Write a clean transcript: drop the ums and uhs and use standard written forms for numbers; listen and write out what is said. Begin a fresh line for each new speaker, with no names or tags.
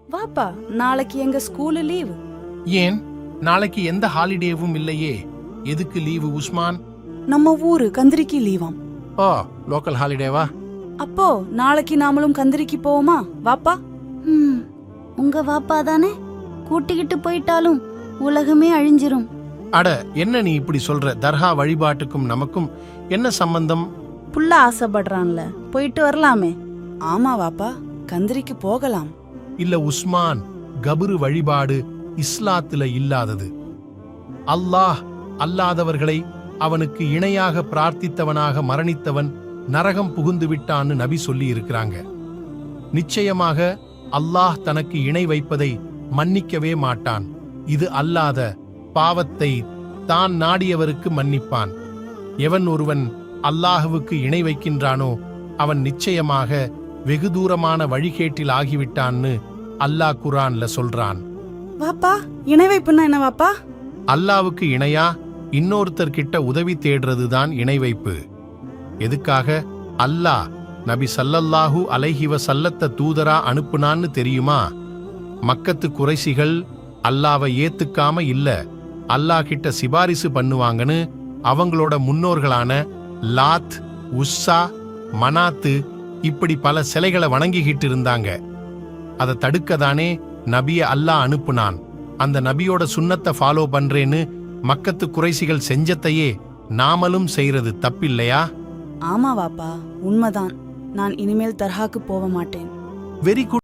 வாப்பா, நாளைக்கு எங்க ஸ்கூலு லீவு.
ஏன் நாளைக்கு எந்த ஹாலிடேவும் இல்லையே? எதுக்கு லீவு உஸ்மான்?
நம்ம ஊரு கந்திரிக்கு லீவாம்.
ஓ, லோக்கல் ஹாலிடேவா?
அப்போ நாளைக்கு நாமளும் கந்திரிக்கு போவோமா? வாப்பா.
உங்க வாப்பா தானே, கூட்டிக்கிட்டு போயிட்டாலும் உலகமே அழிஞ்சிரும்.
அட, என்ன நீ இப்படி சொல்ற? தர்கா வழிபாட்டுக்கும் நமக்கும் என்ன சம்பந்தம்?
புள்ள ஆசைப்படுறான்ல, போயிட்டு வரலாமே. ஆமா வாப்பா, கந்திரிக்கு போகலாம்.
இல்ல உஸ்மான், கபரு வழிபாடு இஸ்லாத்துல இல்லாதது. அல்லாஹ் அல்லாதவர்களை அவனுக்கு இணையாக பிரார்த்தித்தவனாக மரணித்தவன் நரகம் புகுந்து விட்டான்னு நபி சொல்லி இருக்கிறாங்க. நிச்சயமாக அல்லாஹ் தனக்கு இணை வைப்பதை மன்னிக்கவே மாட்டான். இது அல்லாத பாவத்தை தான் நாடியவருக்கு மன்னிப்பான். எவன் ஒருவன் அல்லாஹுவுக்கு இணை வைக்கின்றானோ அவன் நிச்சயமாக வெகு தூரமான வழிகேட்டில் ஆகிவிட்டான்னு அல்லாஹ் குர்ஆன்ல சொல்றான்.
வாப்பா, இணை வைப்புன்னா என்ன வாப்பா?
அல்லாவுக்கு இணையா இன்னொருத்தர்கிட்ட உதவி தேடுறதுதான் இணை வைப்பு. எதுக்காக அல்லாஹ் நபி ஸல்லல்லாஹு அலைஹி வஸல்லத்த தூதரா அனுப்புனான்னு தெரியுமா? மக்கத்து குறைசிகள் அல்லாவை ஏத்துக்காம இல்ல, அல்லாஹ் கிட்ட சிபாரிசு பண்ணுவாங்கன்னு அவங்களோட முன்னோர்களான லாத், உஸ்ஸா, மனாத்து இப்படி பல சிலைகளை வணங்கிக்கிட்டு இருந்தாங்க. அதை தடுக்கதானே நபிய அல்லாஹ் அனுப்புனான். அந்த நபியோட சுன்னத்தை ஃபாலோ பண்றேன்னு மக்கத்து குறைசிகள் செஞ்சத்தையே நாமளும் செய்யறது தப்பில்லையா?
ஆமா வாப்பா, உண்மைதான். நான் இனிமேல் தர்காக்கு போக மாட்டேன்.
Very good.